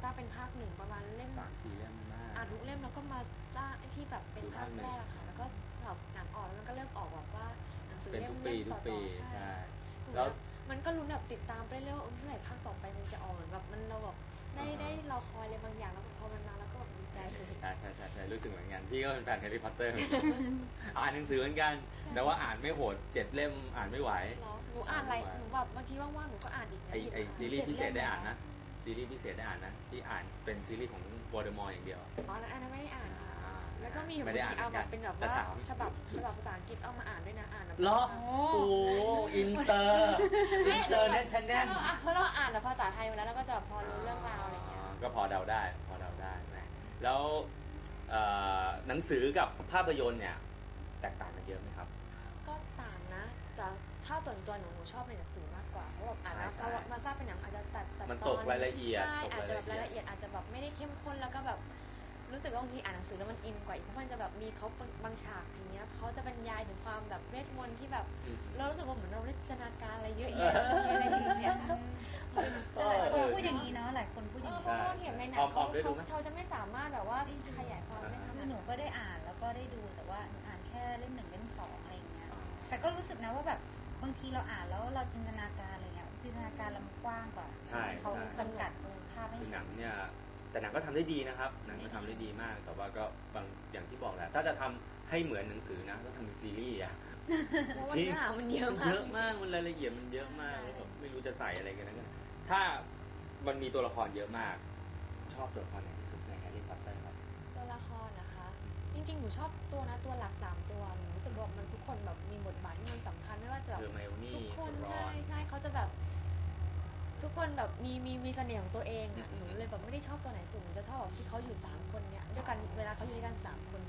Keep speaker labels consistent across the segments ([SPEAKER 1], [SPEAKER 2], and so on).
[SPEAKER 1] สร้างเป็นภาคหนึ่งประมาณเล่ม
[SPEAKER 2] 3-4 เล่มมาก
[SPEAKER 1] อ่านทุกเล่มแล้วก็มาสร้างที่แบบเป็นภาคแรกค่ะแล้วก็แบบหนังออกแล้วมันก็เริ่มออกแบบว่าหนังสือเล่มต่อๆใช่แล้วมันก็ลุ้นแบบติดตามไปเรื่อยๆเมื่อไหร่ภาคต่อไปมันจะออกเหมือนแบบมันเราแบบได้รอคอยอะไรบางอย่างแล้วพอมันมาแล้วก็แบบดีใจเลย
[SPEAKER 2] ใช่รู้สึกเหมือนกันพี่ก็เป็นแฟนแฮร์รี่พอตเตอร์อ่านหนังสือเหมือนกันแต่ว่าอ่านไม่โหด7 เล่มอ่านไม่ไหว
[SPEAKER 1] หนูอ่านอะไรหนูแบบบางทีว่างๆหนูก็อ่านอีก
[SPEAKER 2] ไอซีรีส์พิเศษได้อ่านนะซีรีส์พิเศษได้อ่านนะที่อ่านเป็นซีรีส์ของวอร์เดอมอร์อย่างเดียว
[SPEAKER 1] อ๋อแล้วอันนั้นไม่ได้อ่านแล้วก็มีบางทีเอาแบบเป็นแบบว่าฉบับภาษาอังกฤษเอามาอ่านด้วยนะอ่านแบบ
[SPEAKER 2] เหรอโอ้อินเตอร์เน็ตชันแนล
[SPEAKER 1] เพราะเราอ่านภาษาไทยมาแล้วเราก็จะพอรู้เรื่องราวอะไรอย่างเงี้ย
[SPEAKER 2] ก็พอเดาได้นะแล้วหนังสือกับภาพยนตร์เนี่ยแตกต่างกันเยอะไหมครับ
[SPEAKER 1] ก็ต่างนะแต่ถ้าส่วนตัวหนูชอบในหนังสือมากกว่าเพราะแบบอ่านแล้วพอมาทราบเป็นหนังอาจจะตัด
[SPEAKER 2] มันตกรายละเอียด
[SPEAKER 1] ใช่อาจจะแบบรายละเอียดอาจจะแบบไม่ได้เข้มข้นแล้วก็แบบรู้สึกว่าบางทีอ่านหนังสือแล้วมันอินกว่าอีกเพราะมันจะแบบมีเขาบางฉากอย่างเงี้ยเขาจะบรรยายถึงความแบบเวทมนต์ที่แบบเรารู้สึกว่าเหมือนเราได้จินตนาการอะไรเยอะแยะอะไรอย่างเงี้ย
[SPEAKER 3] หลายคนพูดอย่างนี้เนาะหลายคนพูดอย่างนี้
[SPEAKER 1] เพราะเห็นในหนังเขาจะไม่สามารถแบบว่าขยายความได้
[SPEAKER 3] คือหนูก็ได้อ่านแล้วก็ได้ดูแต่ว่าหนูอ่านแค่เล่ม 1 เล่ม 2อะไรอย่างเงี้ยแต่ก็รู้สึกนะว่าแบบบางทีเราอ่านแล้วเราจินตนาการอะไรเงี้ยจินตนาการเรามันกว้างกว่าเขาจำกัดภาพไม่
[SPEAKER 2] คือหนังเนี่ยแต่หนังก็ทำได้ดีนะครับหนังก็ทำได้ดีมากแต่ว่าก็บางอย่างที่บอกแหละถ้าจะทำให้เหมือนหนังสือนะต้องทำเป็นซีรีส์อะ
[SPEAKER 1] จริงมันเยอะ
[SPEAKER 2] มากมันรายละเอียดมันเยอะมากแล้วแบบไม่รู้จะใส่อะไรกันนะถ้ามันมีตัวละครเยอะมากชอบตัวละครไหนที่สุดในแฮร์รี่พอตเตอร์ครับ
[SPEAKER 1] ตัวละครนะคะจริงๆหนูชอบตัวหลัก3 ตัวหนูรู้สึกว่ามันทุกคนแบบมีบทบาทที่มันสำคัญไม่ว่าจะแบบทุกคนใช่เขาจะแบบทุกคนแบบมีเสน่ห์ของตัวเองอ่ะหนูเลยแบบไม่ได้ชอบตัวไหนสุดหนูจะชอบแบบที่เขาอยู่3 คนเนี่ยด้วยกันเวลาเขาอยู่ด้วยกัน3 คน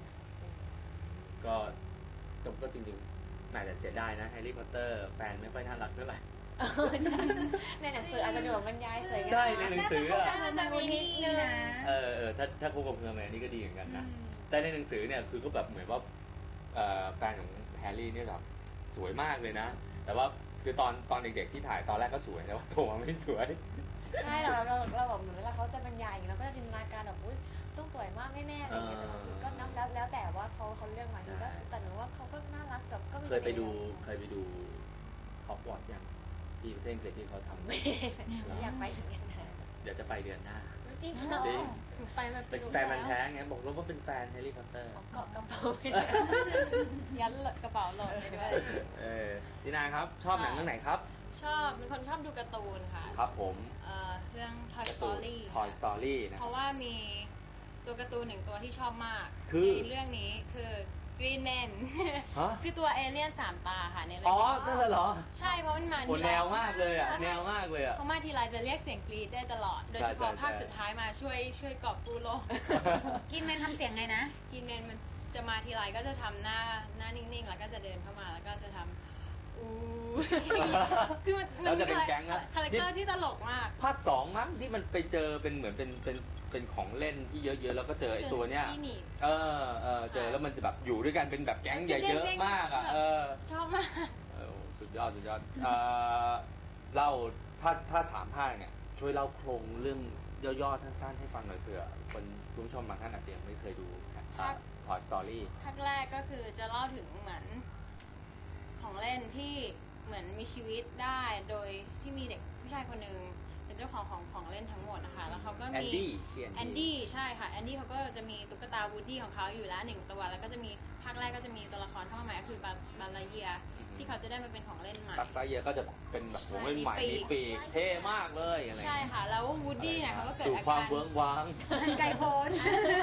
[SPEAKER 2] ก็จริงๆแต่เสียดายนะแฮร์รี่พอตเตอร์แฟนไม่ค่อยน่ารักเท่าไหร่
[SPEAKER 1] ในหนังสืออาจจะดูแบบบรรยายสวย
[SPEAKER 2] ใช่ในหนังสือ
[SPEAKER 3] จะมีนิดนึงนะ
[SPEAKER 2] ถ้าคู่กับเพื่อนนี่ก็ดีเหมือนกันนะแต่ในหนังสือเนี่ยคือก็แบบเหมือนว่าแฟนของแฮร์รี่เนี่ยแบบสวยมากเลยนะแต่ว่าคือตอนเด็กๆที่ถ่ายตอนแรกก็สวยแต่ว่าโตมาไม่สวย
[SPEAKER 1] ใช่เราแบบเหมือนเวลาเขาจะบรรยายอย่างนี้เราก็จะจินตนาการแบบอุ้ยต้องสวยมากแน่ๆอะไรอย่างเงี้ยแต่บางทีก็นับแล้วแต่ว่าเขาเลือกมาก็แต่หนูว่าเขาก็น่ารักแบบก็
[SPEAKER 2] เคยไปดูฮอกวอตส์ยังที่ประเทศอังกฤษที่เขาทำ
[SPEAKER 1] อยากไปเหมือนกัน
[SPEAKER 2] เดี๋ยวจะไปเดือนหน้า
[SPEAKER 1] จริง
[SPEAKER 3] ไปมา
[SPEAKER 2] เป็นแฟนมันแท้ไงบอกแล้วว่าเป็นแฟนแฮร์รี่พอตเตอร์
[SPEAKER 1] เกาะกระเป๋าไป
[SPEAKER 3] ยัดกระเป๋าโหลดไปด้วย
[SPEAKER 2] ดีนาครับชอบหนังเรื่องไหนครับ
[SPEAKER 3] ชอบเป็นคนชอบดูการ์ตูนค่ะ
[SPEAKER 2] ครับผม
[SPEAKER 3] เรื่อง Toy Story
[SPEAKER 2] Toy Story นะ
[SPEAKER 3] เพราะว่ามีตัวการ์ตูน1 ตัวที่ชอบมากในเรื่องนี้คือ Green Man คือตัวเอเลี่ยน3 ตาค่ะในเรื่อง
[SPEAKER 2] นั่นเหรอ
[SPEAKER 3] ใช่เพราะมันมา
[SPEAKER 2] แนวมากเลยอ่ะแนวมากเลยอ่ะ
[SPEAKER 3] เพราะมาทีไรจะเรียกเสียงกรี๊ดได้ตลอดโดยเฉพาะภาคสุดท้ายมาช่วยกอบกู้โลกกินแมนทำเสียงไงนะกินแมนมันจะมาทีไรก็จะทำหน้านิ่งๆแล้วก็จะเดินเข้ามาแล้วก็จะทำคือ
[SPEAKER 2] เราจะเป็นแก๊งนะ
[SPEAKER 3] คาแรคเตอร์ที่ตลกมาก
[SPEAKER 2] ภาค2มั้งที่มันไปเจอเป็นเหมือนเป็นของเล่นที่เยอะๆแล้วก็เจอไอ้ตัวเนี้ยเจอแล้วมันจะแบบอยู่ด้วยกันเป็นแบบแก๊งใหญ่เยอะมากอ่ะ
[SPEAKER 3] ชอบมาก
[SPEAKER 2] สุดยอดเล่าถ้า3 ภาคเนี่ยช่วยเล่าโครงเรื่องย่อๆสั้นๆให้ฟังหน่อยเผื่อคนผู้ชมบางท่านอาจจะยังไม่เคยดูToy Story
[SPEAKER 3] ภาคแรกก็คือจะเล่าถึงเหมือนของเล่นที่เหมือนมีชีวิตได้โดยที่มีเด็กผู้ชายคนหนึ่งเป็นเจ้าของเล่นทั้งหมดนะคะแล้วเขาก็มีแอนดี้ใช่ค่ะแอนดี้เขาก็จะมีตุ๊กตาวูดดี้ของเขาอยู่แล้ว1 ตัวแล้วก็จะมีภาคแรกก็จะมีตัวละครเข้ามาใหม่ก็คือบาลาเยียที่เขาจะได้มาเป็นของเล่นใหม่
[SPEAKER 2] บาลาเยียก็จะเป็นแบบของเล่นใหม่มีปีกเท่มากเลยอะไร
[SPEAKER 3] ใช่ค่ะแล้ววูดดี้เนี่ยเขาก็เกิดอาการ
[SPEAKER 2] สู่ความเบื้องว้าง
[SPEAKER 3] ไกลโพ้น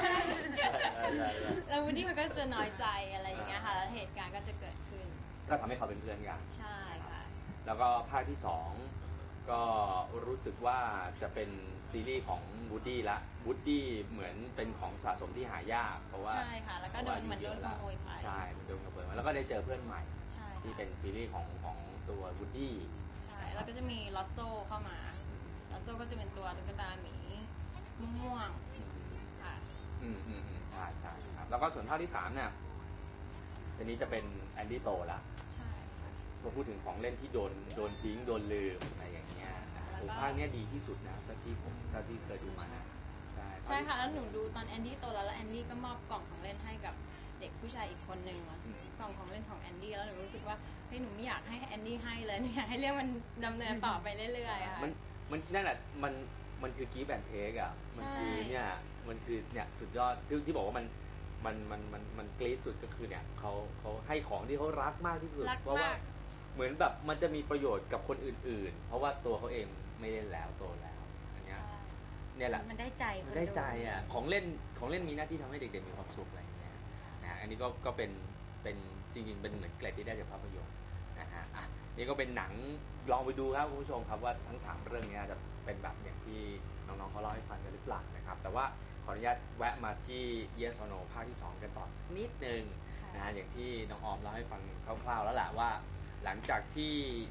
[SPEAKER 3] แล้ววูดดี้มันก็จะน้อยใจอะไรอย่างเงี้ยค่ะแล้วเหตุการณ์ก็จะเกิดขึ้น
[SPEAKER 2] ก็ทำให้เขาเป็นเพื่อนกัน
[SPEAKER 3] ใช่ค่ะ
[SPEAKER 2] แล้วก็ภาคที่2ก็รู้สึกว่าจะเป็นซีรีส์ของวูดดี้ละวูดดี้เหมือนเป็นของสะสมที่หายากเพราะว่า
[SPEAKER 3] ใช่ค่ะแล้วก็โดนขโมยไป
[SPEAKER 2] ใช่โดนขโมยมาแล้วก็ได้เจอเพื่อนใหม่ที่เป็นซีรีส์ของตัววูดดี้
[SPEAKER 3] ใช่แล้วก็จะมีลอสโซเข้ามาลอสโซก็จะเป็นตัวตุ๊กตาหมีม่วงค่ะ
[SPEAKER 2] ใช่ครับแล้วก็ส่วนภาคที่3เนี่ยทีนี้จะเป็นแอนดี้โตละ
[SPEAKER 3] ใช่
[SPEAKER 2] พอพูดถึงของเล่นที่โดนทิ้งโดนลืมอะไรอย่างเงี้ยภาคนี้ดีที่สุดนะที่เคยดูมานะ
[SPEAKER 3] ใช่ค่ะแล้วหนูดูตอนแอนดี้โตแล้วแอนดี้ก็มอบกล่องของเล่นให้กับเด็กผู้ชายอีกคนนึงกล่องของเล่นของแอนดี้แล้วหนูรู้สึกว่าเฮ้ยหนูไม่อยากให้แอนดี้ให้เลยอยากให้เรื่องมันดำเนินต่อไปเรื่อยๆค่ะ
[SPEAKER 2] มันนั่นแหละมันคือกีฟแอนเทคอ่ะมันคือเนี่ยมันคือเนี่ยสุดยอดที่บอกว่ามันกรี๊ดสุดก็คือเนี่ยเขาให้ของที่เขารักมากที่สุดเพราะว่าเหมือนแบบมันจะมีประโยชน์กับคนอื่นๆเพราะว่าตัวเขาเองไม่เล่นแล้วโตแล้วอันเนี้ยเนี่ยแหละ
[SPEAKER 1] มันได้ใจ
[SPEAKER 2] อ่ะของเล่นมีหน้าที่ทำให้เด็กๆมีความสุขอะไรอย่างเงี้ยนะอันนี้ก็เป็นจริงๆเป็นเหมือนเกร็ดที่ได้จากภาพยนตร์นะฮะอ่ะนี่ก็เป็นหนังลองไปดูครับคุณผู้ชมครับว่าทั้ง3เรื่องนี้จะเป็นแบบอย่างที่น้องๆเขาเล่าให้ฟังกันหรือเปล่านะครับแต่ว่าขออนุญาตแวะมาที่ Yes or No ภาคที่2กันต่อสักนิดนึงนะฮะอย่างที่น้องออมเล่าให้ฟังคร่าวๆแล้วแหละว่าหลังจากที่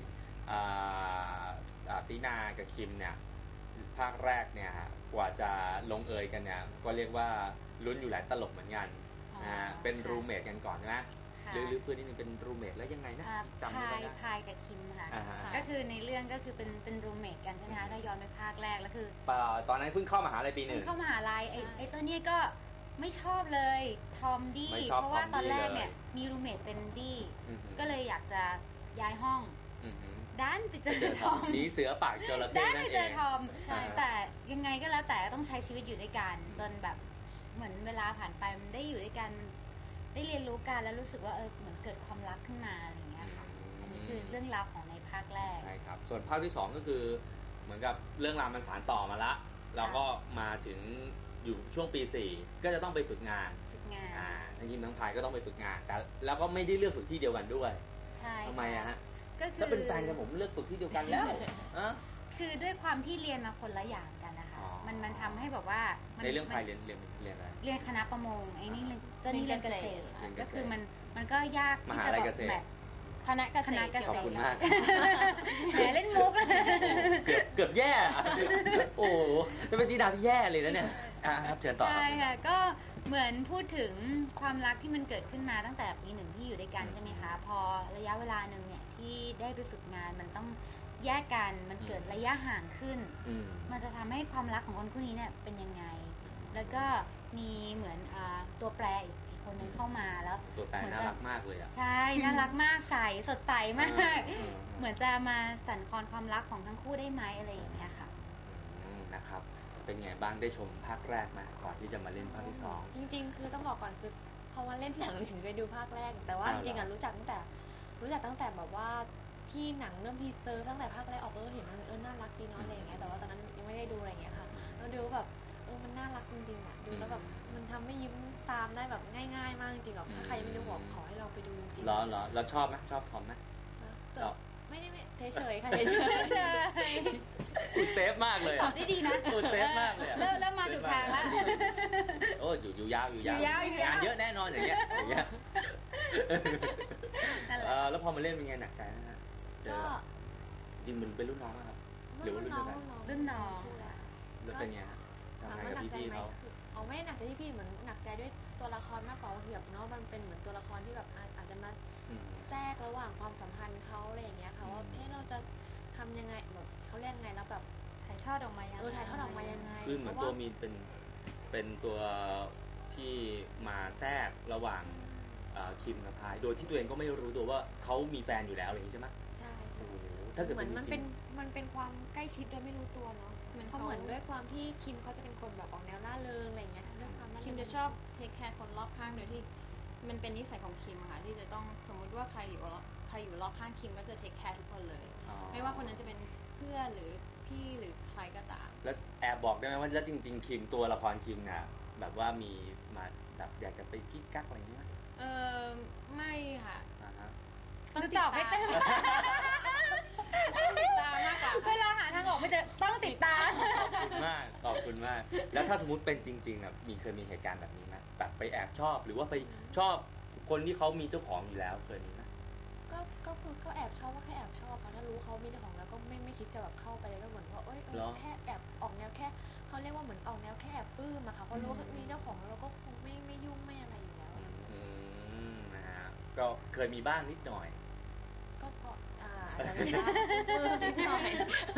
[SPEAKER 2] ตินากับคิมเนี่ยภาคแรกเนี่ยกว่าจะลงเอยกันเนี่ยก็เรียกว่าลุ้นอยู่หลายตลบเหมือนกันเป็นรูเมทกันก่อนใช่ไหมหรือเพื่อนนี่เป็นรูเมทแล้วยังไงนะจำไม่ได้
[SPEAKER 1] พายกับคิมค่ะก็คือในเรื่องก็คือเป็นรูเมทกันใช่ไหมคะถ้าย้อนไปภาคแรกแล้วคือ
[SPEAKER 2] ตอนนั้นเพิ่งเข้ามหาลัยปี 1
[SPEAKER 1] เข้ามหาลัยไอ้เจ้าเนี่ยก็ไม่ชอบเลยทอมดี้เพราะว่าตอนแรกเนี่ยมีรูเมทเป็นดี้ก็เลยอยากจะย้ายห้องด้านไปเจอทอม
[SPEAKER 2] นี้เสือปากจระเข้
[SPEAKER 1] ด้านไปเจอทอมแต่ยังไงก็แล้วแต่ต้องใช้ชีวิตอยู่ด้วยกันจนแบบเหมือนเวลาผ่านไปมันได้อยู่ด้วยกันได้เรียนรู้กันแล้วรู้สึกว่าเหมือนเกิดความรักขึ้นมาอะไรอย่างเงี้ยค่ะอันนี้คือเรื่องราวของในภาคแรก
[SPEAKER 2] ใช่ครับส่วนภาคที่2ก็คือเหมือนกับเรื่องราวมันสานต่อมาละเราก็มาถึงอยู่ช่วงปี4ก็จะต้องไปฝึกงานทั้งยิมทั้งพายก็ต้องไปฝึกงานแต่แล้วก็ไม่ได้เลือกฝึกที่เดียวกันด้วย
[SPEAKER 1] ใช่
[SPEAKER 2] ทำไมอะฮะถ้าเป็นแฟนกันผมเลือกฝึกที่เดียวกันแล้ว
[SPEAKER 1] คือด้วยความที่เรียนมาคนละอย่างกันนะคะมันทำให้แบบว่า
[SPEAKER 2] ในเรื่องพายเรียนอะไร
[SPEAKER 1] เรียนคณะประมงไอ้นี่เจ้านี่เรียนเกษตรก็คือมันก็ยากที่จะแบบ
[SPEAKER 3] คณะเกษตร
[SPEAKER 2] ขอบคุณมาก
[SPEAKER 1] แหมเล่นมุก
[SPEAKER 2] เกือบแย่โอ้จะเป็นตีดาพี่แย่เลยนะเนี่ยครับเชิญต่อ
[SPEAKER 1] ใช่ค่ะก็เหมือนพูดถึงความรักที่มันเกิดขึ้นมาตั้งแต่ปี 1ที่อยู่ด้วยกันใช่ไหมคะพอระยะเวลานึงเนี่ยที่ได้ไปฝึกงานมันต้องแยกกันมันเกิดระยะห่างขึ้นมันจะทำให้ความรักของคนคู่นี้เนี่ยเป็นยังไงแล้วก็มีเหมือนตัวแปรอีกคนนึงเข้ามาแล้ว
[SPEAKER 2] ตัวแปรน่ารักมากเลยอ่ะ
[SPEAKER 1] ใช่น่ารักมากใสสดใสมากเหมือนจะมาสั่นคลอนความรักของทั้งคู่ได้ไหมอะไรอย่างเงี้ยค่ะ
[SPEAKER 2] นะครับเป็นไงบ้างได้ชมภาคแรกไหมก่อนที่จะมาเล่นภาคที่2
[SPEAKER 1] จริงๆคือต้องบอกก่อนคือพอมาเล่นหนังถึงไปดูภาคแรกแต่ว่าจริงๆรู้จักตั้งแต่แบบว่าที่หนังเรื่องทีเซอร์ตั้งแต่ภาคแรกออกเห็นมันน่ารักดีเนาะอะไรอย่างเงี้ยแต่ว่าตอนนั้นยังไม่ได้ดูอะไรอย่างเงี้ยค่ะแล้วดูแบบมันน่ารักจริงๆอ่ะดูแล้วแบบมันทำให้ยิ้มตามได้แบบง่ายๆมากจริงๆหรอกถ้าใครยังไม่ดูบอกขอให้เราไปดูจริง
[SPEAKER 2] ๆแล้วชอบไหมชอบทอมไหม
[SPEAKER 1] ไม่เฉยๆค่ะเฉยๆ
[SPEAKER 2] อุดเซฟมากเลย
[SPEAKER 1] ตอบได้ดีนะ
[SPEAKER 2] อุดเซฟมากเลย
[SPEAKER 1] เริ่มมาถูกทางแล้ว
[SPEAKER 2] โอ้อยู่ยาวงานเยอะแน่นอนอย่างเงี้ยแล้วพอมาเล่นเป็นไงหนักใจนะฮะก็จริงมันเป็นรุ่นน้องครับหรือว่ารุ่นเดียวกัน
[SPEAKER 1] รุ่นน้อง
[SPEAKER 2] แล้วเป็นไงฮะทำงานกับพี่ๆเขา
[SPEAKER 1] ไม่ได้หนักใจที่พี่เหมือนหนักใจด้วยตัวละครมากกว่าแบบเนาะมันเป็นเหมือนตัวละครที่แบบอาจจะมาแทรกระหว่างความสัมพันธ์เขาอะไรอย่างเงี้ยค่ะว่าเราจะทำยังไงแบบเขาเรียกไงแล้วแบบถ่ายทอดออกมายังไง
[SPEAKER 2] คือเหมือนตัวมีนเป็นตัวที่มาแทรกระหว่างคิมกับพายโดยที่ตัวเองก็ไม่รู้ตัวว่าเขามีแฟนอยู่แล้วอะไรอย่างนี้ใช่ไหม
[SPEAKER 1] ใช่
[SPEAKER 2] ถ้าเกิด
[SPEAKER 1] มันเป็นความใกล้ชิดโดยไม่รู้ตัวเนาะเพราะเหมือนด้วยความที่คิมเขาจะเป็นคนแบบออกแนวล่าเริงอะไรอย่างเงี้ยด้วยความ
[SPEAKER 3] คิมจะชอบเทคแคร์คนรอบข้างโดยที่มันเป็นนิสัยของคิมค่ะที่จะต้องสมมุติว่าใครอยู่รอบข้างคิมก็จะเทคแคร์ทุกคนเลยไม่ว่าคนนั้นจะเป็นเพื่อนหรือพี่หรือใครก็ตาม
[SPEAKER 2] แล้วแอบบอกได้ไหมว่าแล้วจริงๆคิมตัวละครคิมเนี่ยแบบว่ามีมาแบบอยากจะไปกิ๊กกักอะไรอย่างเงี้ย
[SPEAKER 3] ไม่ค่ะ
[SPEAKER 1] ต้องตอบให้เต็ม
[SPEAKER 3] ติดตามมากกว่า
[SPEAKER 1] เวลาหาทางออกไม่เจอต้องติดตาม
[SPEAKER 2] ขอบคุณมากแล้วถ้าสมมุติเป็นจริงๆแบบเคยมีเหตุการณ์แบบนี้ไหมแบบไปแอบชอบหรือว่าไปชอบคนที่เขามีเจ้าของอยู่แล้วเคยมีไหม
[SPEAKER 1] ก็แอบชอบว่าแค่แอบชอบค่ะถ้ารู้เขามีเจ้าของแล้วก็ไม่คิดจะแบบเข้าไปเลยก็เหมือนว่าแค่แอบออกแนวแค่เขาเรียกว่าเหมือนออกแนวแค่แอบปลื้มอะค่ะเพราะรู้ว่ามีเจ้าของแล้วเราก็คงไม่ยุ่งไม่อะไรอยู่แล้ว
[SPEAKER 2] นะฮะก็เคยมีบ้างนิดหน่อย
[SPEAKER 1] ก็เพราะแต่ไม่ได้นิดหน่อย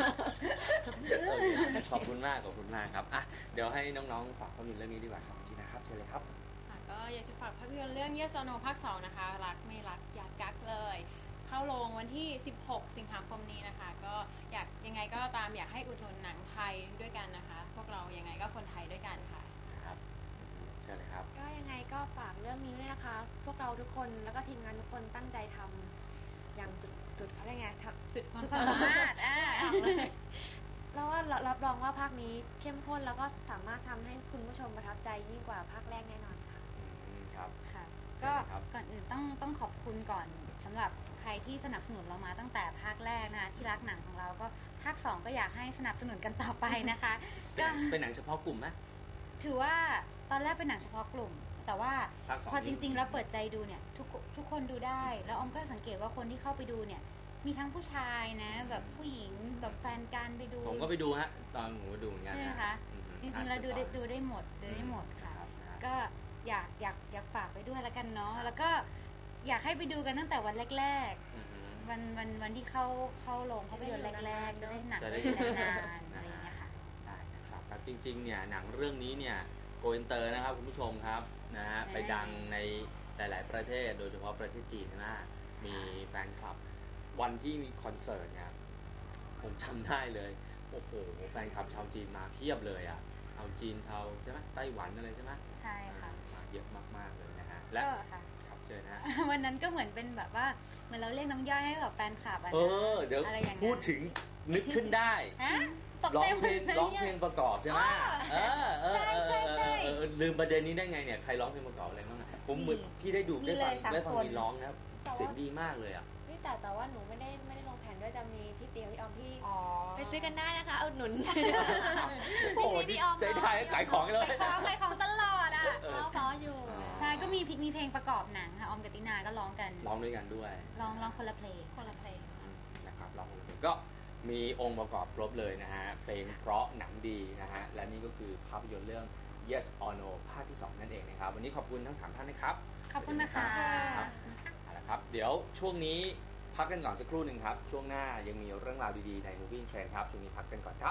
[SPEAKER 2] ขอบคุณมากครับอ่ะเดี๋ยวให้น้องๆฝากภาพยนตร์เรื่องนี้ดีกว่าครับจีนะครับเชิญเลยครับ
[SPEAKER 3] ก็อยากจะฝากภาพยนตร์เรื่อง Yes or No ภาค 2 นะคะรักไม่รักอย่ากักเลยเข้าโรงวันที่16 สิงหาคมนี้นะคะก็อยากยังไงก็ตามอยากให้อุดหนุนหนังไทยด้วยกันนะคะพวกเรายังไงก็คนไทยด้วยกันค่ะ
[SPEAKER 2] ครับเชิญเลยครับ
[SPEAKER 1] ก็ยังไงก็ฝากเรื่องนี้ด้วยนะคะพวกเราทุกคนแล้วก็ทีมงานทุกคนตั้งใจทำอย่างจุดเขาเรียกไง
[SPEAKER 3] สุดความสามารถ
[SPEAKER 1] แล้วว่ารับรองว่าภาคนี้เข้มข้นแล้วก็สามารถทำให้คุณผู้ชมประทับใจยิ่งกว่าภาคแรกแน่นอนค่ะ
[SPEAKER 2] ครับ
[SPEAKER 4] ค่ะก็ก่อนอื่นต้องขอบคุณก่อนสำหรับใครที่สนับสนุนเรามาตั้งแต่ภาคแรกนะคะที่รักหนังของเราก็ภาค2ก็อยากให้สนับสนุนกันต่อไปนะคะ
[SPEAKER 2] ก็เป็นหนังเฉพาะกลุ่มไหม
[SPEAKER 4] ถือว่าตอนแรกเป็นหนังเฉพาะกลุ่มแต่ว่าพอจริงๆแล้วเปิดใจดูเนี่ยทุกคนดูได้แล้วออมก็สังเกตว่าคนที่เข้าไปดูเนี่ยมีทั้งผู้ชายนะแบบผู้หญิงแบบแฟนกันไปดู
[SPEAKER 2] ผมก็ไปดูฮะตอนผมก็ดูเหมือนกัน
[SPEAKER 4] ใช่ไหมคะจริงๆแล้วดูได้หมดค่ะก็อยากฝากไปด้วยแล้วกันเนาะแล้วก็อยากให้ไปดูกันตั้งแต่วันแรกๆวันที่เข้าโรงภาพยนตร์แรกๆจะได้หนังนานๆอะไรอย่างเงี้ยค่ะ
[SPEAKER 2] ได้นะครับจริงๆเนี่ยหนังเรื่องนี้เนี่ยโกอินเตอร์นะครับคุณผู้ชมครับนะฮะไปดังในหลายๆประเทศโดยเฉพาะประเทศจีนนะมีแฟนคลับวันที่มีคอนเสิร์ตเนี่ยผมจำได้เลยโอ้โหแฟนคลับชาวจีนมาเพียบเลยอ่ะชาวจีนชาวใช่ไหมไต้หวันอะไรใช่ไหม
[SPEAKER 4] ใช่ค่ะ
[SPEAKER 2] มาเยอะมากๆเลยนะฮะและครับเจอนะ
[SPEAKER 4] วันนั้นก็เหมือนเป็นแบบว่าเหมือนเราเรียกน้ำย่อยให้กับแฟนคลับ
[SPEAKER 2] เดี๋ยวพูดถึงนึกขึ้นได้ร้องเพลงประกอบใช่ไหม
[SPEAKER 4] ใช่
[SPEAKER 2] ลืมประเด็นนี้ได้ไงเนี่ยใครร้องเพลงประกอบอะไรบ้างผมเหมือนพี่ได้ดูได้ฟังมีร้องนะเสียงดีมากเลยอ่ะ
[SPEAKER 1] แต่ว่าหนูไม่ได้ลงแผนด้วยจะมีพี่เตียวพี่ออมพี่ไปซื้อกันได้นะคะเอาหนุน
[SPEAKER 2] โอ้ดีใจได้ขายของเลย
[SPEAKER 4] ขายของตลอดอ่ะ
[SPEAKER 1] เพราะอยู่
[SPEAKER 4] ใช่ก็มีเพลงประกอบหนังค่ะออมกับตินาก็ร้องกัน
[SPEAKER 2] ร้องด้วยกันด้วย
[SPEAKER 4] ร้องคนละเพลง
[SPEAKER 2] นะครับร้องคนละเพลงก็มีองค์ประกอบครบเลยนะฮะเพลงเพราะหนังดีนะฮะและนี่ก็คือภาพยนตร์เรื่อง Yes or No ภาคที่2นั่นเองนะครับวันนี้ขอบคุณทั้ง3ท่านนะครับ
[SPEAKER 4] ขอบคุณนะคะ
[SPEAKER 2] ครับเดี๋ยวช่วงนี้พักกันก่อนสักครู่หนึ่งครับช่วงหน้ายังมีเรื่องราวดีๆใน Movie Trend ครับช่วงนี้พักกันก่อนครับ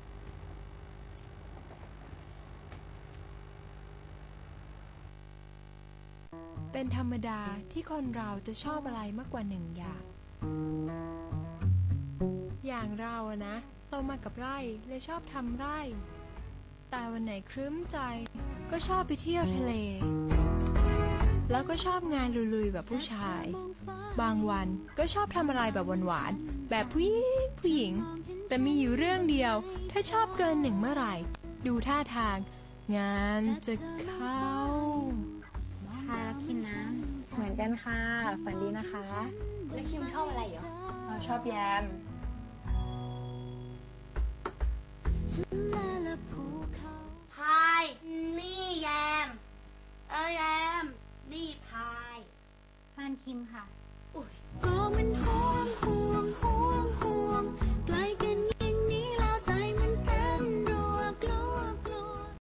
[SPEAKER 5] เป็นธรรมดาที่คนเราจะชอบอะไรมากกว่า1อย่างเราอะนะโตมากับไร่เลยชอบทำไร่แต่วันไหนครึ้มใจก็ชอบไปเที่ยวทะเลแล้วก็ชอบงานลุยๆแบบผู้ชายบางวันก็ชอบทำอะไรแบบหวานๆแบบผู้หญิงแต่มีอยู่เรื่องเดียวถ้าชอบเกิน1เมื่อไหร่ดูท่าทางงานจะเข้า
[SPEAKER 4] ค่ะแล้วคิมนะ
[SPEAKER 5] เหมือนกันค่ะฝันดีนะคะ
[SPEAKER 1] แล้วคิมชอบอะไรเหรอ
[SPEAKER 5] ชอบแยม
[SPEAKER 6] พายนี่แยมแยมนี่พาย
[SPEAKER 4] ฟานคิมค่ะ
[SPEAKER 6] อุ้ย